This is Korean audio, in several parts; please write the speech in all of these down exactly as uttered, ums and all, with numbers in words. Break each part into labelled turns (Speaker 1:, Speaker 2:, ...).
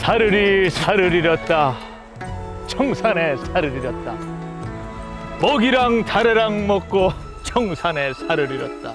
Speaker 1: 사르리 사르리 렸다 청산에 사르리 렸다 먹이랑 다래랑 먹고 청산에 사르리 렸다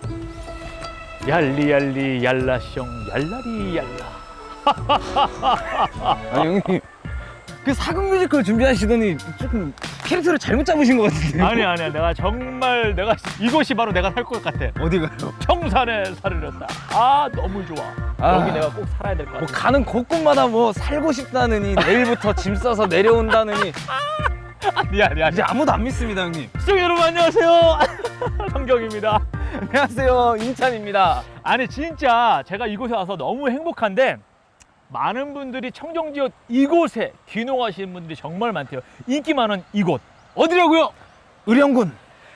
Speaker 1: 얄리얄리 얄라숑 얄라리 얄라.
Speaker 2: 아니 형님 그 사극 뮤지컬 준비하시더니 조금 캐릭터를 잘못 잡으신 것 같은데.
Speaker 1: 아니 아니야 내가 정말 내가 이곳이 바로 내가 살 것 같아.
Speaker 2: 어디가요?
Speaker 1: 청산에 살을 렸다. 아 너무 좋아.
Speaker 2: 아.
Speaker 1: 여기 내가 꼭 살아야 될 것 같아.
Speaker 2: 뭐 가는 곳곳마다 뭐 살고 싶다느니 내일부터 짐 싸서 내려온다느니
Speaker 1: 아니야 아니야
Speaker 2: 이제 아무도 안 믿습니다 형님.
Speaker 1: 시청자 여러분 안녕하세요. 성경입니다.
Speaker 2: 안녕하세요 인찬입니다.
Speaker 1: 아니 진짜 제가 이곳에 와서 너무 행복한데 많은 분들이 청정지역 이곳에 귀농하시는 분들이 정말 많대요. 인기 많은 이곳 어디라고요?
Speaker 2: 의령군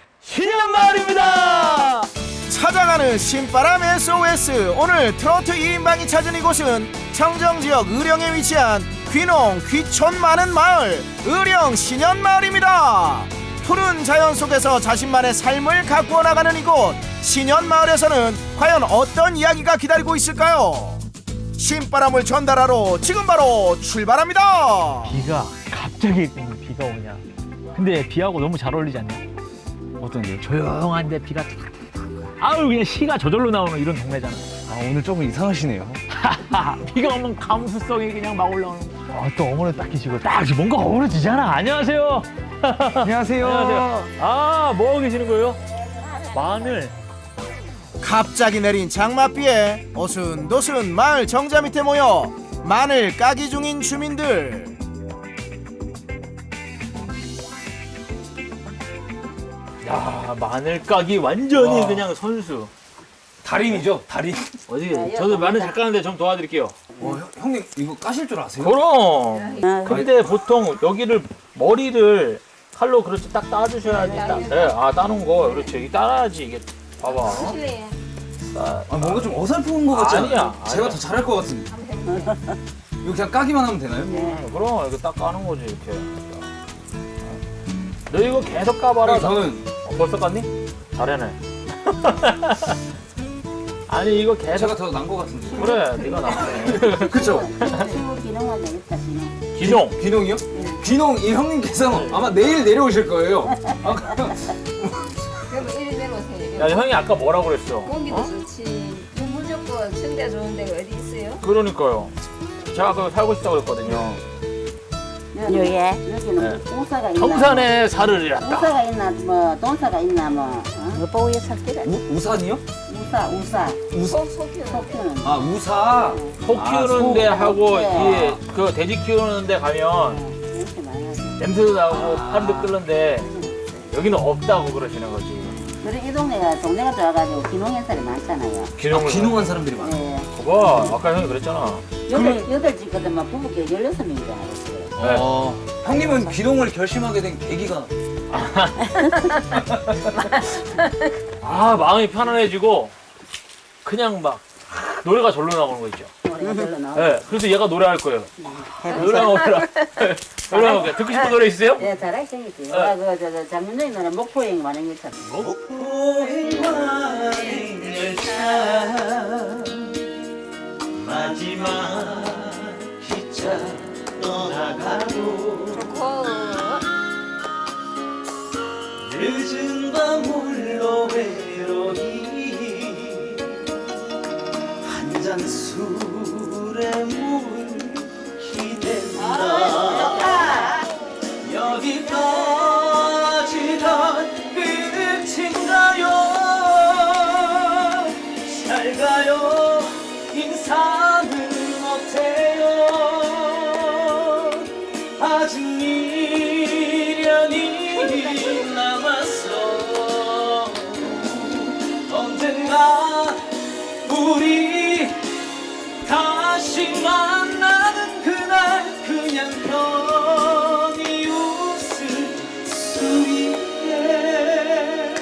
Speaker 1: 신현마을입니다.
Speaker 3: 찾아가는 신바람 에스오에스. 오늘 트로트 이 인방이 찾은 이곳은 청정지역 의령에 위치한 귀농 귀촌 많은 마을 의령 신현마을입니다. 푸른 자연 속에서 자신만의 삶을 가꾸어 나가는 이곳 신현마을에서는 과연 어떤 이야기가 기다리고 있을까요? 신바람을 전달하러 지금 바로 출발합니다.
Speaker 1: 비가 갑자기 비가 오냐. 근데 비하고 너무 잘 어울리지 않냐?
Speaker 2: 어떤데요?
Speaker 1: 조용한데 비가 탁탁탁. 아유 그냥 시가 저절로 나오는 이런 동네잖아.
Speaker 2: 아 오늘 조금 이상하시네요.
Speaker 1: 비가 오면 감수성이 그냥 막 올라오는 거. 아, 또 어머니 딱 계시고 딱 뭔가 어우러지잖아. 안녕하세요.
Speaker 2: 안녕하세요.
Speaker 1: 안녕하세요. 아, 뭐 하고 계시는 거예요? 마늘.
Speaker 3: 갑자기 내린 장맛비에 어순도순 마을 정자 밑에 모여 마늘 까기 중인 주민들.
Speaker 1: 야, 마늘 까기 완전히
Speaker 2: 와.
Speaker 1: 그냥 선수.
Speaker 2: 달인이죠 달인.
Speaker 1: 어디? 저도 마늘 잘 까는데 좀 도와드릴게요.
Speaker 2: 어, 형, 형님 이거 까실 줄 아세요?
Speaker 1: 그럼. 근데 보통 여기를 머리를 칼로 그렇지 딱 따주셔야지. 따, 네, 아 따는 거 그렇지. 이게 따라야지 이게. 봐봐. 따,
Speaker 2: 아 뭔가 좀 어설픈 것 같지
Speaker 1: 아니야,
Speaker 2: 않아요? 제가
Speaker 1: 아니야.
Speaker 2: 더 잘할 것 같은데. 이거 그냥 까기만 하면 되나요?
Speaker 1: 음, 그럼 이거 딱 까는 거지 이렇게. 너 이거 계속 까봐라.
Speaker 2: 형, 저는
Speaker 1: 어, 벌써 깠니? 잘해네. 아니 이거 계속.
Speaker 2: 제가 더 난 것 같은데.
Speaker 1: 그래, 네가 낫네.
Speaker 2: 그쵸?
Speaker 4: 기농화 되겠다, 기농.
Speaker 1: 기종.
Speaker 2: 귀농이요? 귀농 이 형님께서 아마 내일 내려오실 거예요. 아, 그럼
Speaker 4: 그럼 이리 내려오세요.
Speaker 1: 야 형이 아까 뭐라고 그랬어?
Speaker 4: 공기도 좋지. 무조건 청자 좋은 데가 어디 있어요?
Speaker 1: 그러니까요. 제가 아까 살고 싶다고 그랬거든요.
Speaker 4: 요예. 여기는
Speaker 1: 네.
Speaker 4: 동사가 있나?
Speaker 1: 청산에 살을 잃었다.
Speaker 4: 우사가 있나, 뭐, 동사가 있나, 뭐. 어? 여보에 살기를.
Speaker 2: 우, 우산이요?
Speaker 4: 우사, 우사.
Speaker 2: 우사?
Speaker 4: 속히는.
Speaker 2: 아 우사.
Speaker 1: 소
Speaker 2: 아,
Speaker 1: 키우는데
Speaker 2: 소.
Speaker 1: 하고
Speaker 4: 네.
Speaker 1: 이 그 돼지 키우는데 가면
Speaker 4: 이렇게 많아서.
Speaker 1: 냄새도 나고 팔도 끓는데 여기는 없다고 그러시는 거지.
Speaker 4: 그래, 이 동네가, 동네가 좋아가지고 기농 행사를 많잖아요.
Speaker 2: 아,
Speaker 1: 기종을.
Speaker 2: 귀농한 사람들이 많아.
Speaker 4: 네.
Speaker 1: 봐, 아까 형이 그랬잖아.
Speaker 4: 여덟, 여덟 집거든, 막 부부께 열여섯 명이 알았어요.
Speaker 1: 네.
Speaker 2: 어, 형님은 귀농을 결심하게 된 계기가
Speaker 1: 아 마음이 편안해지고 그냥 막 노래가 절로 나오는 거 있죠.
Speaker 4: 노래가 별로 나오고.
Speaker 1: 네, 그래서 얘가 노래할 거예요.
Speaker 4: 해보자.
Speaker 1: 노래 나오라. 노래 나오게. 듣고 싶은 노래 있어요?
Speaker 4: 예, 잘할 생겼지. 아, 그, 저, 저, 장윤정이 노래 목포행 많은 게 참.
Speaker 5: 마지막 기차 떠나가고 늦은 밤 홀로 외로이 한 잔 술에 물 기댄다 여기까지가 끝인가요 잘 가요 인사는 못해요 아직 미련이 남았어 언젠가 우리 다시 만나는 그날 그냥 편히 웃을 수 있게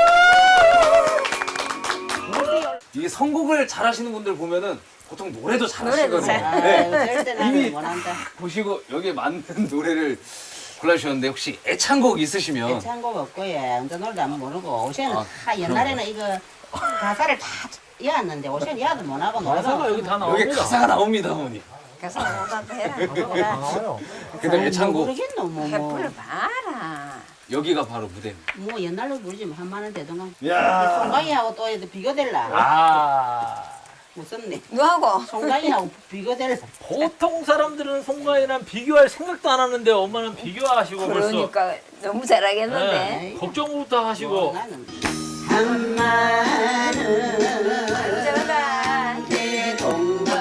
Speaker 2: 이게 선곡을 잘하시는 분들 보면은 보통 노래도 잘하시거든요.
Speaker 4: 아,
Speaker 2: 네.
Speaker 4: 절대 나는
Speaker 2: 이미
Speaker 4: 못한다.
Speaker 2: 보시고 여기에 맞는 노래를 골라주셨는데 혹시 애창곡 있으시면
Speaker 4: 창곡 없고 예, 운전 놀도 안 모르고 오시는
Speaker 2: 아,
Speaker 4: 아, 옛날에는 이거 가사를 다 외웠는데 오시는 이해도 못하고
Speaker 1: 가사가
Speaker 4: 놀고
Speaker 1: 여기 다
Speaker 2: 여기
Speaker 1: 나옵니다.
Speaker 2: 가사가 나옵니다, 어머니.
Speaker 4: 가서 오다도 해라.
Speaker 2: 근데 애창곡
Speaker 6: 모르겠노 뭐,
Speaker 4: 해
Speaker 6: 뭐.
Speaker 4: 불러봐라.
Speaker 2: 여기가 바로 무대입니다.
Speaker 6: 뭐 옛날로 부르지 뭐 한만 원 되던가.
Speaker 3: 야.
Speaker 6: 송강이하고 또 얘도 비교될라.
Speaker 1: 아
Speaker 6: 무섭네.
Speaker 4: 누하고?
Speaker 6: 송강이하고 비교될라.
Speaker 1: 보통 사람들은 송가인이랑 비교할 생각도 안 하는데 엄마는 비교하시고 벌써
Speaker 4: 그러니까 너무 잘하겠는데.
Speaker 1: 네, 걱정부터 하시고
Speaker 6: 뭐, 나는 한마는
Speaker 4: 안전하다.
Speaker 6: 대동강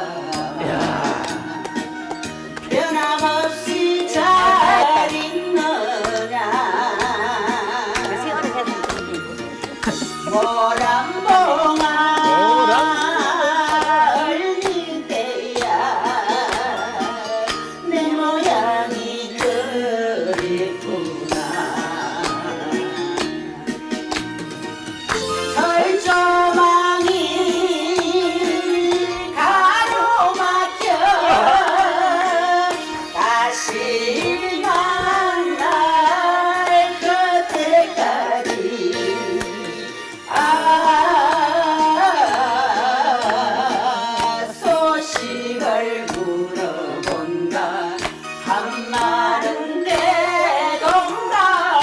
Speaker 6: 변함없이 잘 있느냐 모란봉아 얼리대야 내 모양이 그랬구나 철조망이 가로막혀 다시 만날 그때까지 아 소식을 물어본다 한마른 대동강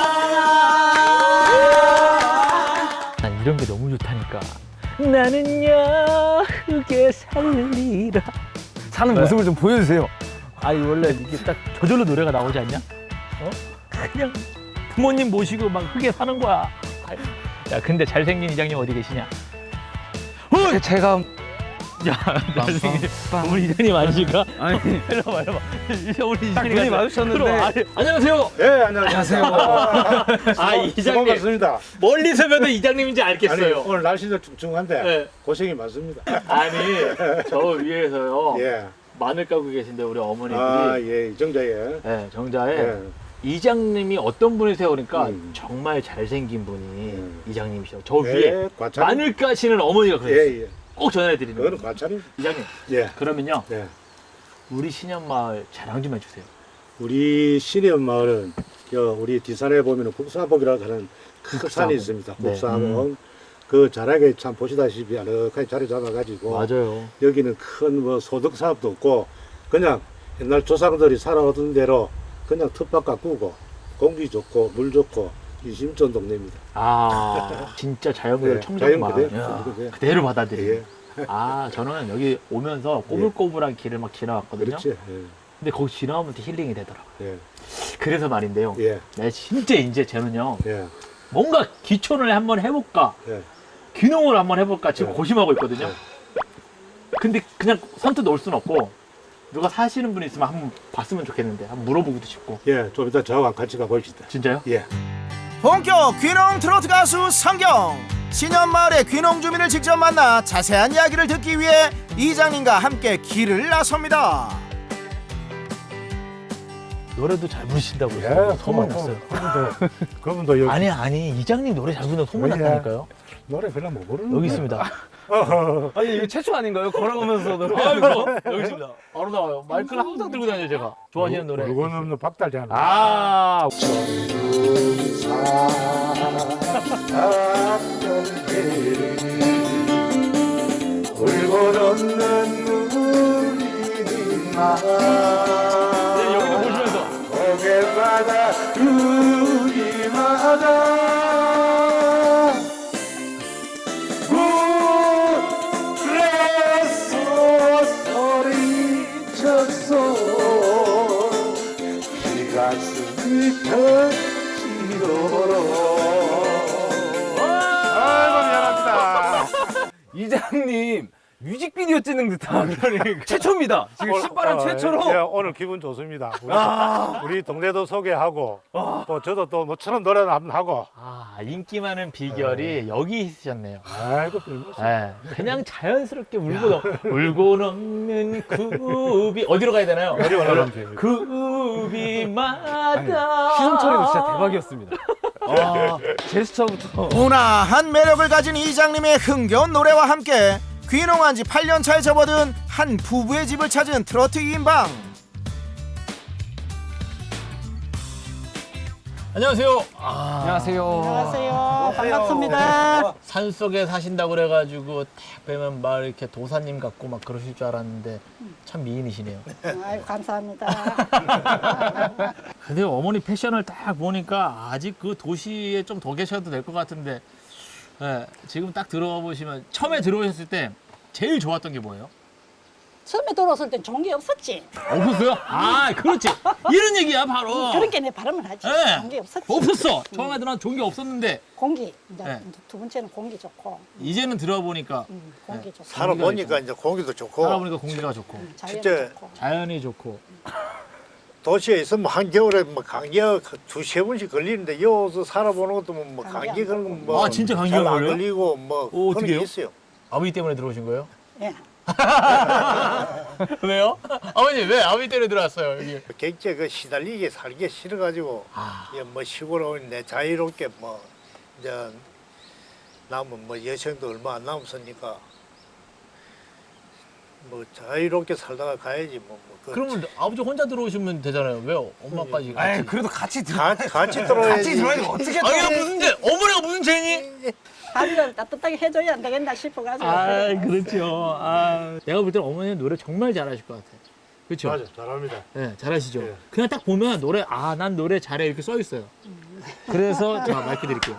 Speaker 1: 난 이런 게 너무 좋다니까. 나는야 흙에 살리라.
Speaker 2: 사는
Speaker 1: 네.
Speaker 2: 모습을 좀 보여주세요.
Speaker 1: 아니 원래 이게 딱 저절로 노래가 나오지 않냐? 어? 그냥 부모님 모시고 막 흙에 사는 거야. 아이, 야 근데 잘생긴 이장님 어디 계시냐?
Speaker 2: 어, 제가
Speaker 1: 야 잘생긴 우리 이장님 아니실까?
Speaker 2: 아니
Speaker 1: 이리 와봐 이리 와봐. 우리
Speaker 2: 딱
Speaker 1: 이장님
Speaker 2: 눈이 마주쳤는데.
Speaker 1: 안녕하세요.
Speaker 3: 예, 안녕하세요.
Speaker 1: 아 이장님
Speaker 3: 반갑습니다.
Speaker 1: 멀리서 뵈도 이장님인지
Speaker 3: 아니,
Speaker 1: 알겠어요.
Speaker 3: 오늘 날씨도 중중한데
Speaker 1: 네.
Speaker 3: 고생이 많습니다.
Speaker 1: 아니 저 위에서요
Speaker 3: 예.
Speaker 1: 마늘 까고 계신데 우리 어머니들이
Speaker 3: 아, 예, 이정자예.
Speaker 1: 네, 정자에
Speaker 3: 예.
Speaker 1: 이장님이 어떤 분이세요? 그러니까
Speaker 3: 음.
Speaker 1: 정말 잘생긴 분이
Speaker 3: 음.
Speaker 1: 이장님이셔. 저
Speaker 3: 예,
Speaker 1: 위에
Speaker 3: 과찬.
Speaker 1: 마늘 까시는 어머니가 그랬어요.
Speaker 3: 예, 예.
Speaker 1: 꼭 전해드리는
Speaker 3: 그거는
Speaker 1: 거예요.
Speaker 3: 과찬입니다.
Speaker 1: 이장님
Speaker 3: 예.
Speaker 1: 그러면요
Speaker 3: 예.
Speaker 1: 우리 신현마을 자랑 좀 해주세요.
Speaker 3: 우리 신현 마을은 여 우리 뒷산에 보면은 국사봉이라고 하는 큰
Speaker 1: 국사봉.
Speaker 3: 산이 있습니다.
Speaker 1: 네.
Speaker 3: 국사봉. 그 자락에 참 보시다시피 아늑하게 자리 잡아가지고
Speaker 1: 맞아요.
Speaker 3: 여기는 큰 뭐 소득 사업도 없고 그냥 옛날 조상들이 살아오던 대로 그냥 텃밭 가꾸고 공기 좋고 물 좋고 인심전 동네입니다.
Speaker 1: 아 진짜 자연 그대로
Speaker 3: 네,
Speaker 1: 청정
Speaker 3: 자연
Speaker 1: 마을
Speaker 3: 그대로,
Speaker 1: 야,
Speaker 3: 그대로.
Speaker 1: 그대로 받아들이네.
Speaker 3: 예.
Speaker 1: 아 저는 여기 오면서 꼬불꼬불한 길을 막 지나왔거든요.
Speaker 3: 그렇지. 예.
Speaker 1: 근데 거기 지나오면 또 힐링이 되더라고요.
Speaker 3: 예.
Speaker 1: 그래서 말인데요.
Speaker 3: 예.
Speaker 1: 내 진짜 이제 쟤는요
Speaker 3: 예.
Speaker 1: 뭔가 기촌을 한번 해볼까
Speaker 3: 예.
Speaker 1: 귀농을 한번 해볼까 지금
Speaker 3: 네.
Speaker 1: 고심하고 있거든요.
Speaker 3: 네.
Speaker 1: 근데 그냥 선뜻 올 순 없고 누가 사시는 분이 있으면 한번 봤으면 좋겠는데 한번 물어보기도 싶고.
Speaker 3: 예. 좀 이따 저하고 같이 가봅시다.
Speaker 1: 진짜요?
Speaker 3: 예. 본격 귀농 트로트 가수 성경. 신현마을의 귀농 주민을 직접 만나 자세한 이야기를 듣기 위해 이장님과 함께 길을 나섭니다.
Speaker 1: 노래도 잘 부르신다고
Speaker 3: 예,
Speaker 1: 소문 났어요.
Speaker 3: 그분도, 그분도 여기
Speaker 1: 아니 아니 이장님 노래 잘 부른다고 소문
Speaker 3: 예.
Speaker 1: 났다니까요.
Speaker 3: 노래 별로 못 부르는
Speaker 1: 여기 있습니다.
Speaker 2: 아니 이거 최초 아닌가요? 걸어가면서 노래.
Speaker 1: 아이고 여기 있습니다. 바로 나와요. 마이크를 항상 들고 다녀요 제가. 좋아하시는 노래.
Speaker 3: 물건 없는 박달잖아.
Speaker 1: 아
Speaker 3: 울고 넣는 눈이나
Speaker 1: 네, 여기도 보시면서.
Speaker 3: 고개바다 우리마다 그래서 소리쳤어 이 가슴이 터지도록 아이고 미안합니다.
Speaker 2: 이장님 뮤직비디오 찍는 듯한 최초입니다. 지금 신바람
Speaker 3: 어,
Speaker 2: 최초로.
Speaker 3: 예, 오늘 기분 좋습니다. 우리, 우리 동네도 소개하고 또 저도 또 뭐처럼 노래도 한번 하고.
Speaker 1: 아 인기 많은 비결이 여기 있으셨네요.
Speaker 3: 아이고 별거
Speaker 1: 네, 그냥 자연스럽게 울고 넘, 울고 넘는 굽이 어디로 가야 되나요?
Speaker 3: 어디 올라가면 돼요?
Speaker 1: 굽이마다
Speaker 2: 시선 처리도 진짜 대박이었습니다. 아, 제스처부터.
Speaker 3: 온화한 매력을 가진 이장님의 흥겨운 노래와 함께 귀농한 지 팔 년 차에 접어든 한 부부의 집을 찾은 트로트 이인방.
Speaker 1: 안녕하세요.
Speaker 2: 안녕하세요.
Speaker 6: 안녕하세요. 반갑습니다.
Speaker 1: 산 속에 사신다고 그래가지고 딱 뵈면 막 이렇게 도사님 같고 막 그러실 줄 알았는데 참 미인이시네요.
Speaker 7: 아유, 감사합니다.
Speaker 1: 근데 어머니 패션을 딱 보니까 아직 그 도시에 좀 더 계셔도 될 것 같은데 예, 지금 딱 들어와 보시면 처음에 들어오셨을 때 제일 좋았던 게 뭐예요?
Speaker 7: 처음에 들어왔을 땐 좋은 게 없었지.
Speaker 1: 없었어요? 아, 그렇지. 이런 얘기야 바로.
Speaker 7: 그런 게 내 바람을 하지.
Speaker 1: 예.
Speaker 7: 좋은 게 없었지.
Speaker 1: 없었어. 처음에 들어온 좋은 게 없었는데
Speaker 7: 공기. 이제
Speaker 1: 네.
Speaker 7: 두 번째는 공기 좋고.
Speaker 1: 이제는 들어와 보니까
Speaker 7: 음, 공기 좋고.
Speaker 8: 살아보니까 이제 공기도 좋고
Speaker 1: 살아보니까 공기가 좋고
Speaker 7: 음, 자연이
Speaker 8: 진짜
Speaker 7: 좋고.
Speaker 1: 자연이 좋고.
Speaker 8: 도시에 있으면 한겨울에 뭐 감기가 두세 번씩 걸리는데 여기서 살아보는 것도 뭐, 뭐
Speaker 7: 감기
Speaker 8: 감기
Speaker 7: 안
Speaker 8: 그런 거뭐
Speaker 1: 아, 진짜 감기가
Speaker 8: 잘안
Speaker 1: 걸려요?
Speaker 8: 걸리고 뭐
Speaker 1: 오,
Speaker 8: 그런
Speaker 1: 어떡해요?
Speaker 8: 게 있어요.
Speaker 1: 아버지 때문에 들어오신 거예요?
Speaker 7: 예.
Speaker 1: 왜요? 아버님 왜 아버지 때문에 들어왔어요 여기?
Speaker 8: 객지에 그 시달리게 살기 싫어가지고
Speaker 1: 아.
Speaker 8: 이제 뭐 시골에 오는데 자유롭게 뭐 이제 남은 뭐 여생도 얼마 안 남았으니까 뭐 자유롭게 살다가 가야지 뭐. 뭐 그
Speaker 1: 그러면 아버지 혼자 들어오시면 되잖아요. 왜요? 엄마까지 같이.
Speaker 2: 아이 그래도 같이 들어.
Speaker 8: 같이 같이 들어야지.
Speaker 2: 같이 들어야지 어떻게
Speaker 1: 아니 이거 무슨 죄? 어머니가 무슨 죄니?
Speaker 7: 밥을 따뜻하게 해줘야 안 되겠나 싶어가지고.
Speaker 1: 아 그렇죠. 아 내가 볼 때는 어머니는 노래 정말 잘하실 것 같아. 그렇죠?
Speaker 8: 맞아, 잘합니다.
Speaker 1: 네, 잘하시죠.
Speaker 8: 예.
Speaker 1: 그냥 딱 보면 노래 아 난 노래 잘해 이렇게 써 있어요. 그래서 제가 마이크 드릴게요.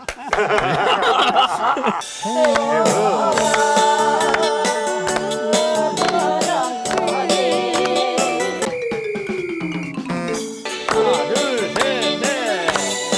Speaker 1: 하나, 둘, 셋, 넷.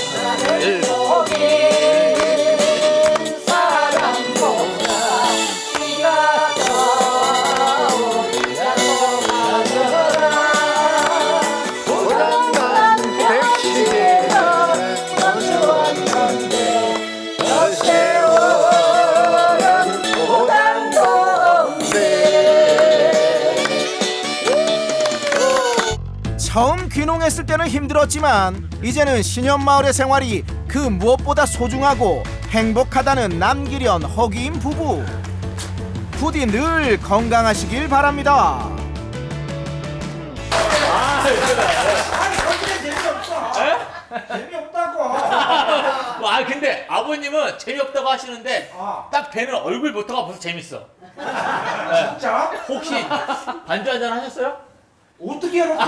Speaker 3: 처음 귀농했을 때는 힘들었지만 이제는 신현마을의 생활이 그 무엇보다 소중하고 행복하다는 남기련 허기인 부부. 부디 늘 건강하시길 바랍니다.
Speaker 1: 아 근데 아버님은 재미없다고 하시는데 딱 뵈는 얼굴부터가 벌써 재밌어. 진짜? 혹시 반주 한잔 하셨어요?
Speaker 9: 어떻게 알았어?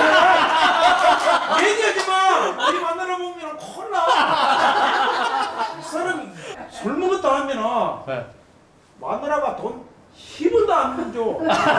Speaker 9: 얘기하지 마! 우리 만나러 보면 콜라! 이 사람이 술 먹었다 하면은
Speaker 1: 네.
Speaker 9: 마누라가 돈 십 원도 안 줘.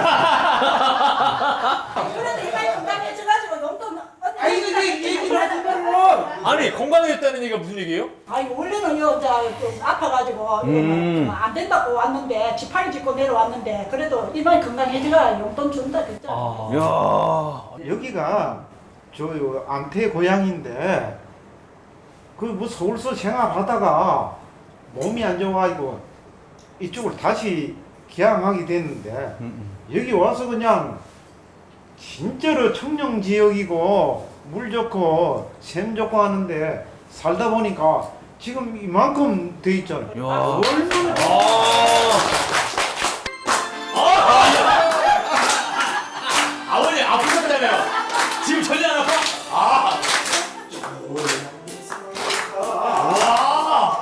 Speaker 4: 그래도 이마에 건강해져가지고 용돈 언니.
Speaker 9: 아니, 이거 얘기를 하지 말고!
Speaker 1: 아니 건강해졌다는 얘기가 무슨 얘기예요?
Speaker 7: 아니 원래는 여자 좀 아파가지고 음. 안 된다고 왔는데 지팡이 짚고 내려왔는데 그래도 이마에 건강해지가 용돈 준다 그랬잖아.
Speaker 1: 아.
Speaker 2: 야.
Speaker 9: 여기가 저 안태 고향인데 그 뭐 서울서 생활하다가 몸이 안 좋아가지고 이쪽으로 다시 개항하게 됐는데 여기 와서 그냥 진짜로 청정 지역이고 물 좋고 샘 좋고 하는데 살다 보니까 지금 이만큼 돼 있잖아요.
Speaker 2: 야.
Speaker 1: 아버님 아프셨다며요? 지금 전혀 안 아파? 아. 와.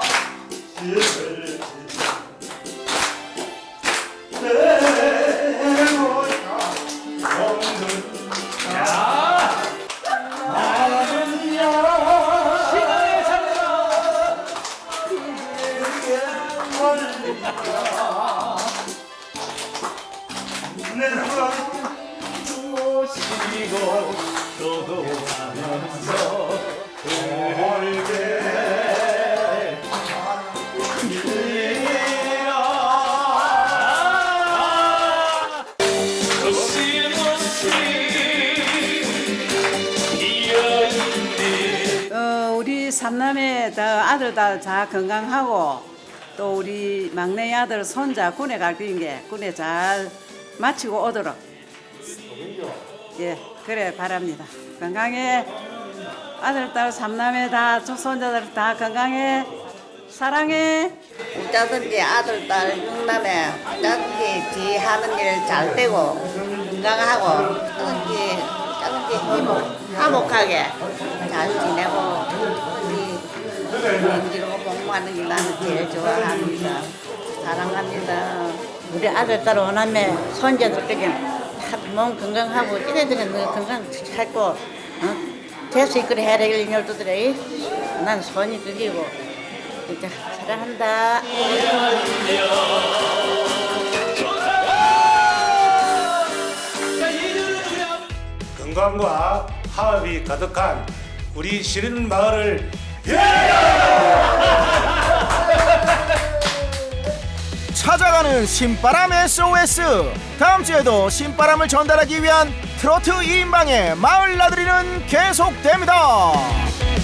Speaker 6: 어, 우리 삼남매 다 아들 다, 다 건강하고 또 우리 막내 아들 손자 군에 갈 거인게 군에 잘 마치고 오도록 예 그래 바랍니다. 건강해 아들 딸 삼남매 다 손자들 다 건강해 사랑해.
Speaker 4: 짜든지 아들 딸 육남에 짜든지 지 하는 일 잘 되고 건강하고 짜든지 짜든지 화목 화목하게 잘 지내고 우리 민지로 공부하는 게 나는 제일 좋아합니다. 사랑합니다. 우리 아들, 딸, 오남매, 손자들까지 다 몸 건강하고 이래저래 건강 살고 어? 재수 있고 해야 될 일녀들이 난 손이 그리고 진짜 사랑한다.
Speaker 10: 건강과 화합이 가득한 우리 시린 마을을
Speaker 3: 찾아가는 신바람 에스오에스. 다음 주에도 신바람을 전달하기 위한 트로트 이인방의 마을 나들이는 계속됩니다.